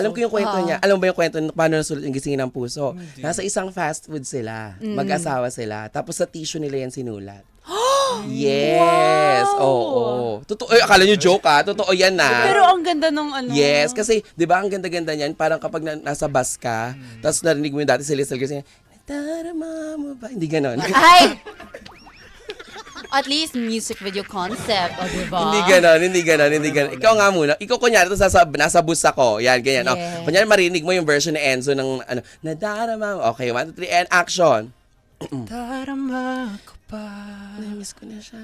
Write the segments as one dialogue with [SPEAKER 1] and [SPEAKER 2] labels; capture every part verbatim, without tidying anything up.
[SPEAKER 1] Alam ko yung kwento
[SPEAKER 2] Ah.
[SPEAKER 1] niya. Alam mo ba yung kwento n- paano nasulat yung Gisingin ng Puso?
[SPEAKER 3] Hindi.
[SPEAKER 1] Nasa isang fast food sila. Mag-asawa sila. Tapos sa tissue nila yan sinulat. Yes! Oo. Totoo. Ay, akala nyo joke ah. Totoo yan na.
[SPEAKER 2] Pero ang ganda nung ano.
[SPEAKER 1] Yes, kasi 'di ba ang ganda-ganda niyan, parang kapag na, nasa bus ka, tapos narinig mo yung dati si Lizelle kasi, "Nadarama mo ba?" Hindi ganoon.
[SPEAKER 2] Ay! At least music video concept, o diba?
[SPEAKER 1] Hindi ganoon, hindi ganoon, hindi ganoon. Ikaw nga muna. Ikaw kunyari to sa nasa bus ako. Yan, ganyan. Oh.
[SPEAKER 2] Yes.
[SPEAKER 1] Kunyari marinig mo yung version ni Enzo ng ano, "Nadarama mo." Okay, one, two, three, and action.
[SPEAKER 3] Darama ko pa
[SPEAKER 1] Namiss ko na siya.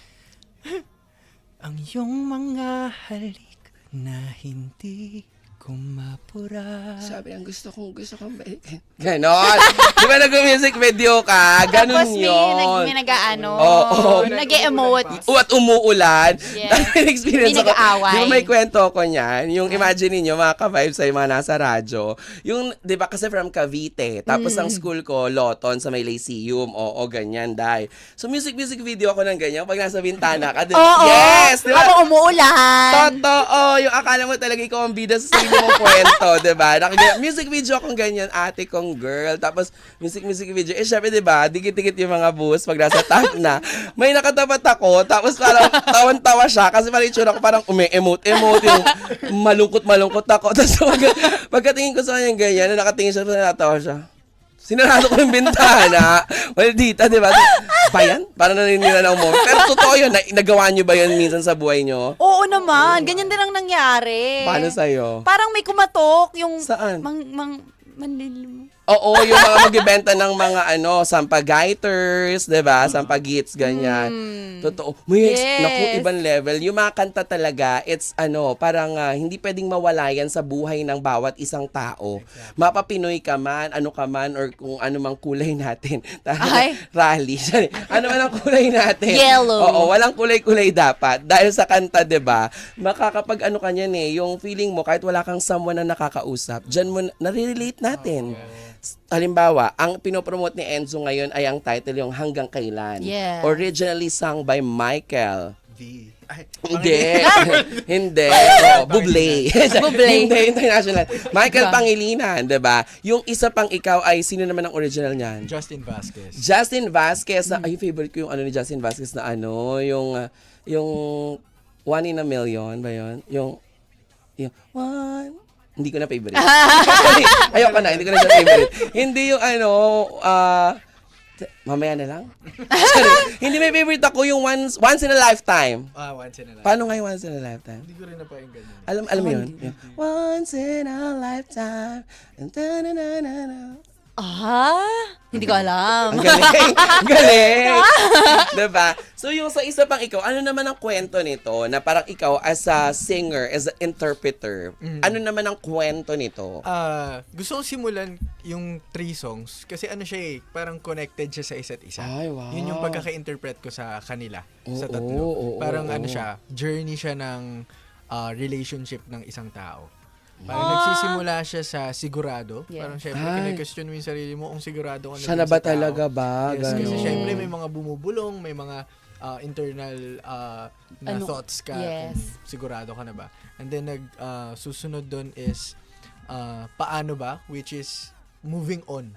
[SPEAKER 3] ang iyong mga halik na hindi ko mapura.
[SPEAKER 1] Sabi ang gusto kong gusto kong balikin. Ganon. Di ba nag-music video ka? Ganon
[SPEAKER 2] Tapos may,
[SPEAKER 1] yun.
[SPEAKER 2] nag, may nag-ano,
[SPEAKER 1] Oo, oo.
[SPEAKER 2] nag-emote.
[SPEAKER 1] U- at umuulan.
[SPEAKER 2] Yes.
[SPEAKER 1] Dahil experience
[SPEAKER 2] May
[SPEAKER 1] ako.
[SPEAKER 2] nag-aaway.
[SPEAKER 1] Di ba may kwento ako niyan? Yung imagine niyo mga ka-vibes sa mga nasa radyo. Yung, di ba kasi from Cavite. Tapos
[SPEAKER 2] Mm.
[SPEAKER 1] ang school ko, Loton, sa may Lyceum. Oo, ganyan, dahil. So music-music video ako ng ganyan. Pag nasa bintana ka. di-
[SPEAKER 2] Oo.
[SPEAKER 1] Yes! Di ba?
[SPEAKER 2] Habang umuulan.
[SPEAKER 1] Totoo! Yung akala mo talaga ikaw ang bida sa sarili mong kwento, diba? Nakagaya, music video akong ganyan, ate kong girl. Tapos, music-music video. Eh, syempre, diba? Dikit-dikit yung mga bus pag nasa top na. May nakatapat ako, tapos parang tawan-tawa siya kasi parang itsura ko parang umi-emote-emote yung malungkot-malungkot ako. Tapos, pag, pagkatingin ko sa kanya ganyan, na nakatingin siya, natawa siya. Sinarado ko yung bintana. Maldita, di ba? Ba yan? Parang naninira ng moment. Pero totoo yun. Na- nagawa nyo ba yun minsan sa buhay nyo?
[SPEAKER 2] Oo naman, ganyan din ang nangyari.
[SPEAKER 1] Paano sa'yo?
[SPEAKER 2] Parang may kumatok yung
[SPEAKER 1] Saan?
[SPEAKER 2] mang mang manlilim.
[SPEAKER 1] Oo, yung mga magbibenta ng mga ano, sampagaiters, 'di ba? Sampagits ganyan. Totoo. May ex-
[SPEAKER 2] Hmm. Yes.
[SPEAKER 1] naku, ibang level. Yung mga kanta talaga, it's ano, parang ah, hindi pwedeng mawala yan sa buhay ng bawat isang tao. Mapapinoy ka man, ano ka man, or kung ano mang kulay natin.
[SPEAKER 2] Ay.
[SPEAKER 1] Rally. Sorry. Ano man ang kulay natin.
[SPEAKER 2] Yellow.
[SPEAKER 1] Oo, walang kulay-kulay dapat. Dahil sa kanta, 'di ba? Makakapag ano ka niyan eh, yung feeling mo kahit wala kang someone na nakakausap, diyan mo nare-relate natin. Halimbawa, ang pinopromote ni Enzo ngayon ay ang title yung Hanggang Kailan.
[SPEAKER 2] Yes.
[SPEAKER 1] Originally sung by Michael.
[SPEAKER 3] V. Ay,
[SPEAKER 1] Hindi. Hindi. Oh, Bublé.
[SPEAKER 2] Bublé.
[SPEAKER 1] Hindi, international. Michael
[SPEAKER 2] Diba?
[SPEAKER 1] Pangilinan, 'di ba? Yung isa pang ikaw ay sino naman ang original niyan?
[SPEAKER 3] Justin Vasquez.
[SPEAKER 1] Justin Vasquez na ay favorite ko yung ano ni Justin Vasquez na ano, yung uh, yung One in a Million ba 'yon? Yung yung One hindi ko na favorite. Ayoko na, hindi ko na siya favorite. Hindi yung ano, ah, t- mamaya na lang. Sorry. Hindi may favorite ako yung once once in a lifetime.
[SPEAKER 3] Ah, once in a life.
[SPEAKER 1] Paano nga yung once in a lifetime?
[SPEAKER 3] Hindi ko rin napakinggan yun.
[SPEAKER 1] Alam alam mo yun? Yung, once in a lifetime. Ta-na-na-na-na.
[SPEAKER 2] Ah, hindi ko alam.
[SPEAKER 1] Ang galing. Ang galing. Diba? So yung sa isa pang ikaw, ano naman ang kwento nito na parang ikaw as a singer, as an interpreter, ano naman ang kwento nito?
[SPEAKER 3] Ah, gusto kong simulan yung three songs kasi ano siya eh, parang connected siya sa isa't isa.
[SPEAKER 1] Ay, wow.
[SPEAKER 3] Yun yung pagkaka-interpret ko sa kanila, sa
[SPEAKER 1] Oo,
[SPEAKER 3] tatlo.
[SPEAKER 1] oo,
[SPEAKER 3] parang
[SPEAKER 1] oo.
[SPEAKER 3] ano siya, journey siya ng ah, relationship ng isang tao. Parang nagsisimula siya sa sigurado.
[SPEAKER 2] Yes.
[SPEAKER 3] Parang syempre,
[SPEAKER 1] Ay.
[SPEAKER 3] kine-question mo yung sarili mo kung sigurado ka na
[SPEAKER 1] Siya
[SPEAKER 3] dun
[SPEAKER 1] na
[SPEAKER 3] sa
[SPEAKER 1] ba
[SPEAKER 3] tao.
[SPEAKER 1] talaga ba?
[SPEAKER 3] Yes, kasi
[SPEAKER 1] Ganon.
[SPEAKER 3] syempre may mga bumubulong, may mga ah, internal ah, na
[SPEAKER 2] Ano?
[SPEAKER 3] thoughts ka
[SPEAKER 2] Yes.
[SPEAKER 3] kung sigurado ka na ba. And then nag ah, susunod doon is ah, paano ba, which is moving on.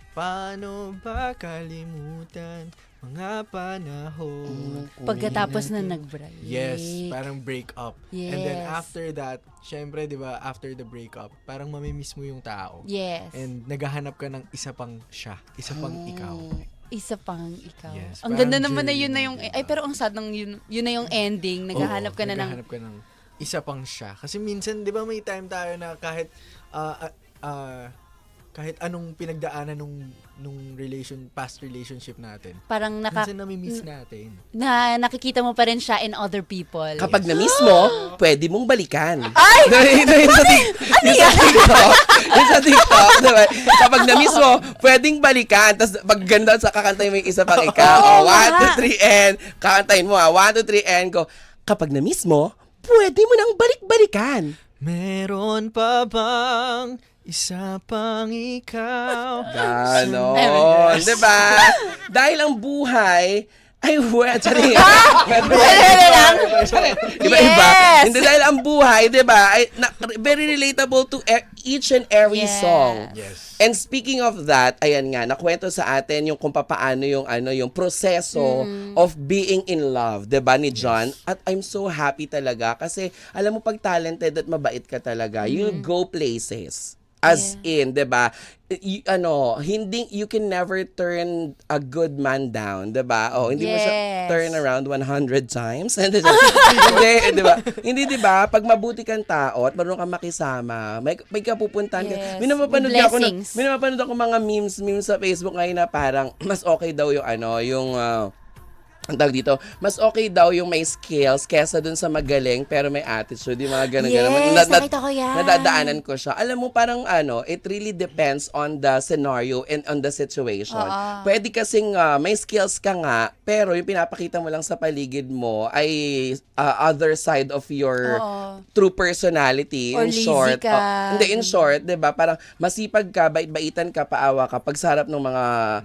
[SPEAKER 3] Paano ba kalimutan mga panahon?
[SPEAKER 2] Pagkatapos na nag-break.
[SPEAKER 3] Yes, parang break up. And then
[SPEAKER 2] Yes.
[SPEAKER 3] after that, syempre 'di ba, after the breakup, parang mamimiss mo yung tao.
[SPEAKER 2] Yes.
[SPEAKER 3] And naghahanap ka ng isa pang siya, isa pang ikaw.
[SPEAKER 2] Isa pang ikaw.
[SPEAKER 3] Yes,
[SPEAKER 2] Ang
[SPEAKER 3] parang
[SPEAKER 2] ganda naman na
[SPEAKER 3] journey
[SPEAKER 2] yun na
[SPEAKER 3] ng
[SPEAKER 2] yung,
[SPEAKER 3] iba.
[SPEAKER 2] ay pero ang sad ng yun, yun na yung ending. Naghahanap
[SPEAKER 3] Oo,
[SPEAKER 2] ka na ng,
[SPEAKER 3] naghahanap ka ng isa pang siya. Kasi minsan, 'di ba, may time tayo na kahit ah, ah, ah, kahit anong pinagdaanan nung nung relation past relationship natin.
[SPEAKER 2] parang naka,
[SPEAKER 3] Minsan nami-miss natin.
[SPEAKER 2] na nakikita mo pa rin siya in other people.
[SPEAKER 1] Kapag na-miss mo, pwede mong balikan. Ay! Yung sa tik-
[SPEAKER 2] Ano
[SPEAKER 1] yung sa TikTok. Yung sa TikTok, diba? Kapag na-miss mo, pwedeng balikan. Tapos pag ganda sa kakantayin mo yung isa pang ikaw.
[SPEAKER 2] Oo
[SPEAKER 1] Oh, one,
[SPEAKER 2] nga.
[SPEAKER 1] two, three, and. Kakantayin mo ah. One, two, three, and. Go. Kapag na-miss mo, pwede mo nang balik-balikan.
[SPEAKER 3] Meron pa bang isa pang ikaw?
[SPEAKER 1] Ganon. Diba? Dahil ang buhay Ay, wet. Sorry.
[SPEAKER 2] lang.
[SPEAKER 1] Iba-iba.
[SPEAKER 2] Yes.
[SPEAKER 1] Hindi dahil ang buhay, di ba, ay, na, very relatable to e- each and every
[SPEAKER 2] Yes.
[SPEAKER 1] song.
[SPEAKER 3] Yes.
[SPEAKER 1] And speaking of that, ayan nga, nakwento sa atin yung kung paano yung ano yung proseso of being in love, 'di ba ni John? At I'm so happy talaga kasi alam mo pag talented at mabait ka talaga, you'll go places. As in, 'di ba? Y- ano, hindi you can never turn a good man down, 'di ba? Oh, hindi mo siya
[SPEAKER 2] Yes.
[SPEAKER 1] turn around one hundred times. Hindi, hindi, 'di ba? Hindi 'di ba? Pag mabuti kang tao at marunong kang makisama, may may kapupuntahan ka.
[SPEAKER 2] Yes.
[SPEAKER 1] May napapanood
[SPEAKER 2] With
[SPEAKER 1] ako na,
[SPEAKER 2] blessings.
[SPEAKER 1] may napapanood ako mga memes, memes sa Facebook ngayon na parang mas okay daw yung ano, yung ah, ang tawag dito, mas okay daw yung may skills kesa dun sa magaling pero may attitude, yung mga ganun ganun.
[SPEAKER 2] Yes, nakita ko yan.
[SPEAKER 1] Nadadaanan ko siya. Alam mo, parang ano, it really depends on the scenario and on the situation.
[SPEAKER 2] Oo.
[SPEAKER 1] Pwede kasing ah, may skills ka nga, pero yung pinapakita mo lang sa paligid mo ay ah, other side of your
[SPEAKER 2] Oo.
[SPEAKER 1] true personality.
[SPEAKER 2] Or
[SPEAKER 1] in
[SPEAKER 2] lazy
[SPEAKER 1] short.
[SPEAKER 2] ka.
[SPEAKER 1] Oh, hindi, in short, 'di ba? Parang masipag ka, bait-baitan ka, paawa ka pag sa harap ng mga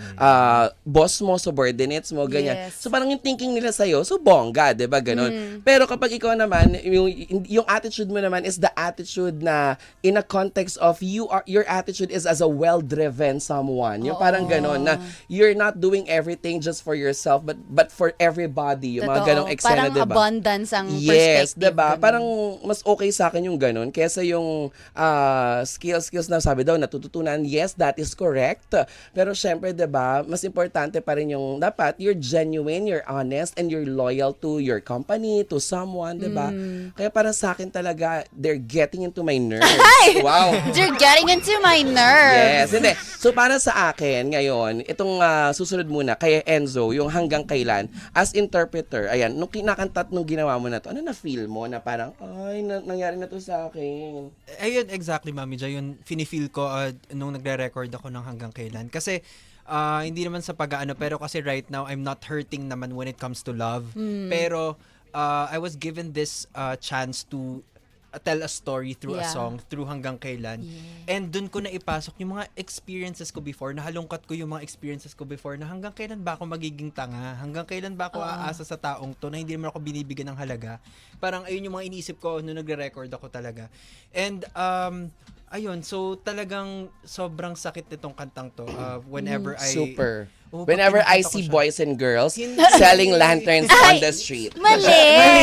[SPEAKER 1] ah, boss mo, subordinates mo, ganyan.
[SPEAKER 2] Yes.
[SPEAKER 1] So parang yung thinking nila sa'yo, so bongga, 'di ba? Ganon.
[SPEAKER 2] Mm.
[SPEAKER 1] Pero kapag ikaw naman, yung, yung attitude mo naman is the attitude na in a context of you are your attitude is as a well-driven someone. Yung parang ganon na you're not doing everything just for yourself but but for everybody. Yung mga
[SPEAKER 2] Totoo.
[SPEAKER 1] ganong eksena,
[SPEAKER 2] Parang
[SPEAKER 1] 'di ba?
[SPEAKER 2] abundance ang
[SPEAKER 1] Yes,
[SPEAKER 2] perspective.
[SPEAKER 1] 'di ba?
[SPEAKER 2] ganun.
[SPEAKER 1] Parang mas okay sa akin yung ganun kaysa yung ah, skills skills na sabi daw natututunan. Yes, that is correct. Pero syempre, 'di ba? Mas importante pa rin yung dapat you're genuine, you're honest, and you're loyal to your company, to someone, 'di ba?
[SPEAKER 2] Mm.
[SPEAKER 1] Kaya para sa akin talaga, they're getting into my nerves. Wow.
[SPEAKER 2] You're getting into my nerves.
[SPEAKER 1] Yes, hindi. So para sa akin ngayon, itong ah, susunod muna kay Enzo, yung hanggang kailan as interpreter. Ayan, nung kinakanta at nung ginawa mo na to, ano na feel mo na parang ay na- nangyari na to sa akin.
[SPEAKER 4] Ayun, exactly, Mami Jo. Yun, fini-feel ko uh, nung nagre-record ako ng hanggang kailan. Kasi, ah, hindi naman sa pag-ano, pero kasi right now, I'm not hurting naman when it comes to love. Pero, uh, I was given this uh, chance to uh, tell a story through a
[SPEAKER 2] Yeah.
[SPEAKER 4] song, through hanggang kailan. And dun ko na ipasok yung mga experiences ko before, nahalungkat ko yung mga experiences ko before, na hanggang kailan ba ako magiging tanga? Hanggang kailan ba ako aasa sa taong to na hindi naman ako binibigyan ng halaga? Parang ayun yung mga iniisip ko nung nagre-record ako talaga. And, um, ayun, so talagang sobrang sakit nitong kantang to. Uh, whenever I...
[SPEAKER 1] Super.
[SPEAKER 4] Oo,
[SPEAKER 1] Whenever
[SPEAKER 4] pag
[SPEAKER 1] I
[SPEAKER 4] kinakanta ko
[SPEAKER 1] see
[SPEAKER 4] siya.
[SPEAKER 1] boys and girls
[SPEAKER 4] Hindi.
[SPEAKER 1] selling lanterns on the street.
[SPEAKER 2] Mali!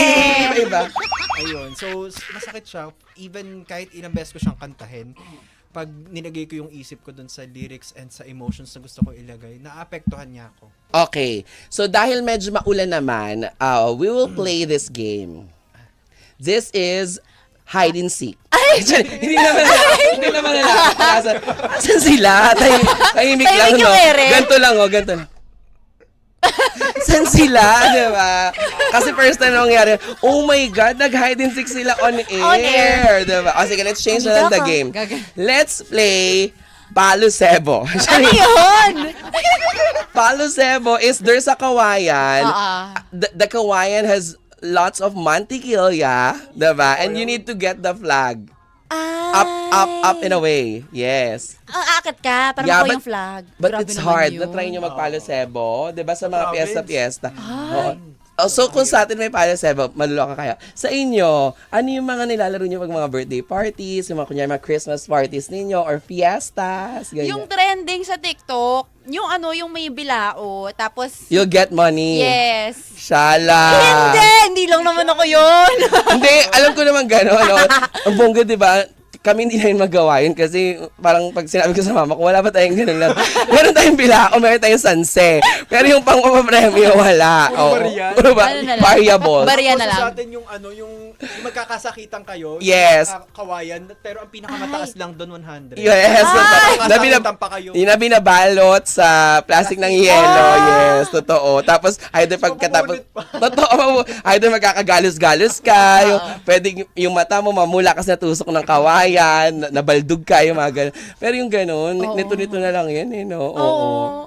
[SPEAKER 1] Iba.
[SPEAKER 4] Ayun. So, s- masakit siya. Even kahit ilang beses ko siyang kantahin, pag nilagay ko yung isip ko dun sa lyrics and sa emotions na gusto ko ilagay, naapektuhan niya ako.
[SPEAKER 1] Okay. So dahil medyo maulan naman, uh, we will play this game. This is hide and seek. Ay! hindi naman na, hindi naman na nakakalasan. Asan sila? Tay, tahimik lang,
[SPEAKER 2] Tahimik
[SPEAKER 1] no?
[SPEAKER 2] yung ere.
[SPEAKER 1] Ganto lang, oh, ganto lang. San sila, di ba? Kasi first time na nangyari, oh my God, nag-hide and seek sila on air.
[SPEAKER 2] On air.
[SPEAKER 1] Di ba? O sige, let's change
[SPEAKER 2] Andito
[SPEAKER 1] na lang the
[SPEAKER 2] ako.
[SPEAKER 1] game.
[SPEAKER 2] Gaga-
[SPEAKER 1] Let's play Palo Sebo.
[SPEAKER 2] Ano yun?
[SPEAKER 1] Palo Sebo is there's a kawayan.
[SPEAKER 2] Oo.
[SPEAKER 1] The, the kawayan has lots of mantikilya, diba? And you need to get the flag. Up, up, up and away. Yes.
[SPEAKER 2] Ang akit ka, parang
[SPEAKER 1] Yeah,
[SPEAKER 2] ako
[SPEAKER 1] but-
[SPEAKER 2] yung flag.
[SPEAKER 1] But
[SPEAKER 2] Grabe
[SPEAKER 1] it's
[SPEAKER 2] naman
[SPEAKER 1] hard.
[SPEAKER 2] yun.
[SPEAKER 1] Na-try nyo magpalo sebo. Diba sa mga
[SPEAKER 4] Province.
[SPEAKER 1] piyesta-piyesta. Oo. Oh, so kung sa atin may palo sebo, maluloka kayo. Sa inyo, ano yung mga nilalaro nyo pag mga birthday parties, yung mga kunyari mga Christmas parties ninyo, or fiestas, ganyan.
[SPEAKER 2] Yung trending sa TikTok, yung ano, yung may bilao, tapos,
[SPEAKER 1] You'll get money.
[SPEAKER 2] yes.
[SPEAKER 1] Shala.
[SPEAKER 2] Hindi, hindi lang naman ako yun.
[SPEAKER 1] Hindi, alam ko naman gano'n. No? Ang bongga, di ba? Kami hindi namin magawa yun kasi parang pag sinabi ko sa mama ko, wala pa tayong ganun lang. Meron tayong bilao, meron tayong sanse. Pero yung pang-papapremyo, wala.
[SPEAKER 4] Puro
[SPEAKER 1] Oo.
[SPEAKER 4] barya?
[SPEAKER 1] Puro ba?
[SPEAKER 2] Ano na lang?
[SPEAKER 1] Variable.
[SPEAKER 2] Barya na
[SPEAKER 4] Tapos
[SPEAKER 2] lang.
[SPEAKER 4] sa atin yung ano, yung, yung magkakasakitan kayo,
[SPEAKER 1] Yes.
[SPEAKER 4] yung uh, kawayan, pero ang pinakamataas lang doon one hundred.
[SPEAKER 1] Yes.
[SPEAKER 4] Ay!
[SPEAKER 1] Na, binab-
[SPEAKER 4] Magkakasakitan pa kayo.
[SPEAKER 1] yung na binabalot sa plastic ng yelo. Yes, totoo. Tapos, either pagkatapos, totoo, either magkakagalos-galos ka, yung, pwedeng yung mata mo mamula kasi natusok ng kawayan, na- nabaldog ka, yung mga ganun. Pero yung ganun,
[SPEAKER 2] Oo.
[SPEAKER 1] nito-nito na lang yan, eh, no? Oo.
[SPEAKER 2] Oo.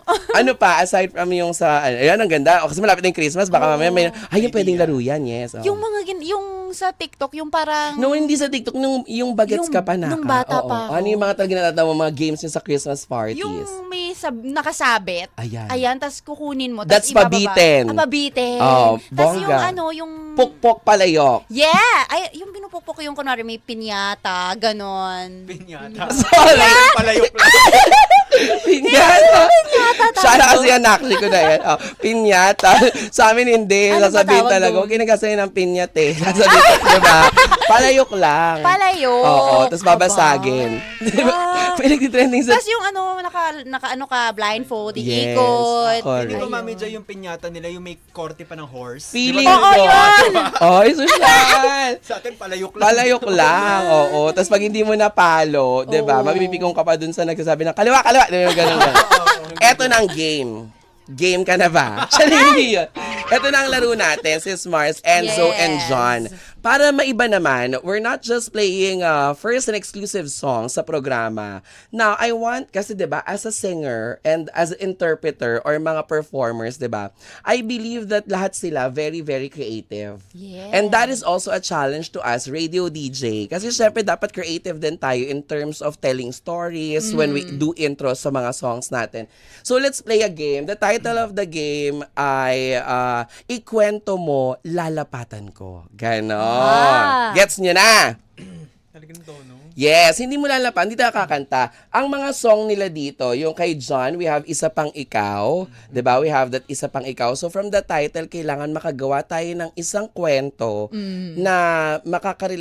[SPEAKER 1] Ano pa, aside from yung sa, ayan, ang ganda. O, kasi malapit na yung Christmas, baka mamaya may, ay, yung pwedeng laro yan, yes. Oh.
[SPEAKER 2] Yung mga, gin- yung sa TikTok, yung parang...
[SPEAKER 1] No, hindi sa TikTok, nung, yung bagets
[SPEAKER 2] Yung-
[SPEAKER 1] ka pa naka.
[SPEAKER 2] nung bata
[SPEAKER 1] Oo.
[SPEAKER 2] pa ako.
[SPEAKER 1] Ano yung mga talaga natatawa mo, mga games yung sa Christmas parties?
[SPEAKER 2] Yung may sab- nakasabit.
[SPEAKER 1] Ayan.
[SPEAKER 2] Ayan, tas kukunin mo.
[SPEAKER 1] That's
[SPEAKER 2] tas ibababa.
[SPEAKER 1] pabitin.
[SPEAKER 2] Ah, pabitin.
[SPEAKER 1] Oh,
[SPEAKER 2] Tas yung
[SPEAKER 1] bongga.
[SPEAKER 2] ano, yung...
[SPEAKER 1] Pukpok palayok.
[SPEAKER 2] Yeah! Ay, yung pinupupok yung kunwari may pinyata, ganon.
[SPEAKER 4] Pinyata.
[SPEAKER 1] Sorry.
[SPEAKER 4] Palayok lang.
[SPEAKER 1] Pinyata.
[SPEAKER 2] Pinyata
[SPEAKER 1] Siya na kasi yan, actually ko na yan. Oh, pinyata. Sa amin hindi.
[SPEAKER 2] Ano ba
[SPEAKER 1] Sasabihin
[SPEAKER 2] tawag
[SPEAKER 1] talaga,
[SPEAKER 2] doon?
[SPEAKER 1] huwag kinagasayin ng pinyat eh. Sasabihin, diba? Palayok lang.
[SPEAKER 2] Palayo.
[SPEAKER 1] Oo, tapos babasagin. Diba?
[SPEAKER 2] Ah.
[SPEAKER 1] May nagtitrending sa...
[SPEAKER 2] Tapos yung ano, naka, naka ano ka, blindfold,
[SPEAKER 1] Yes,
[SPEAKER 2] iikot.
[SPEAKER 1] correct.
[SPEAKER 4] Hindi ko
[SPEAKER 2] Ayun.
[SPEAKER 4] mami dyan yung pinyata nila, yung may korte pa ng horse.
[SPEAKER 1] Feeling
[SPEAKER 2] Oo,
[SPEAKER 1] ko.
[SPEAKER 2] yun!
[SPEAKER 1] Ay, social!
[SPEAKER 4] Sa atin, palayok lang.
[SPEAKER 1] Palayok lang, oo. Tapos pag hindi mo napalo, di ba,
[SPEAKER 2] Oo.
[SPEAKER 1] mabibigong ka pa dun sa nagsasabi ng kaliwa, kaliwa, di ba, ganun, ganun. Eto na ang game. Game ka na ba? Siya hindi yun. Ito na ang laro natin, sis Mars, Enzo,
[SPEAKER 2] Yes.
[SPEAKER 1] and John. Para maiba naman, we're not just playing uh, first and exclusive songs sa programa. Now, I want, kasi 'di ba, as a singer and as an interpreter or mga performers, 'di ba, I believe that lahat sila very, very creative.
[SPEAKER 2] Yes.
[SPEAKER 1] And that is also a challenge to us, radio D J. Kasi syempre, dapat creative din tayo in terms of telling stories when we do intros sa mga songs natin. So, let's play a game. The title of the game ay uh, Ikwento Mo, Lalapatan Ko. Ganon.
[SPEAKER 2] Ah.
[SPEAKER 1] Gets nyo na?
[SPEAKER 4] Talagang tono.
[SPEAKER 1] Yes, hindi mo lalapan, hindi tayo kakanta. Ang mga song nila dito, yung kay John, we have Isa Pang Ikaw. 'Di ba? We have that Isa Pang Ikaw. So from the title, kailangan makagawa tayo ng isang kwento na makaka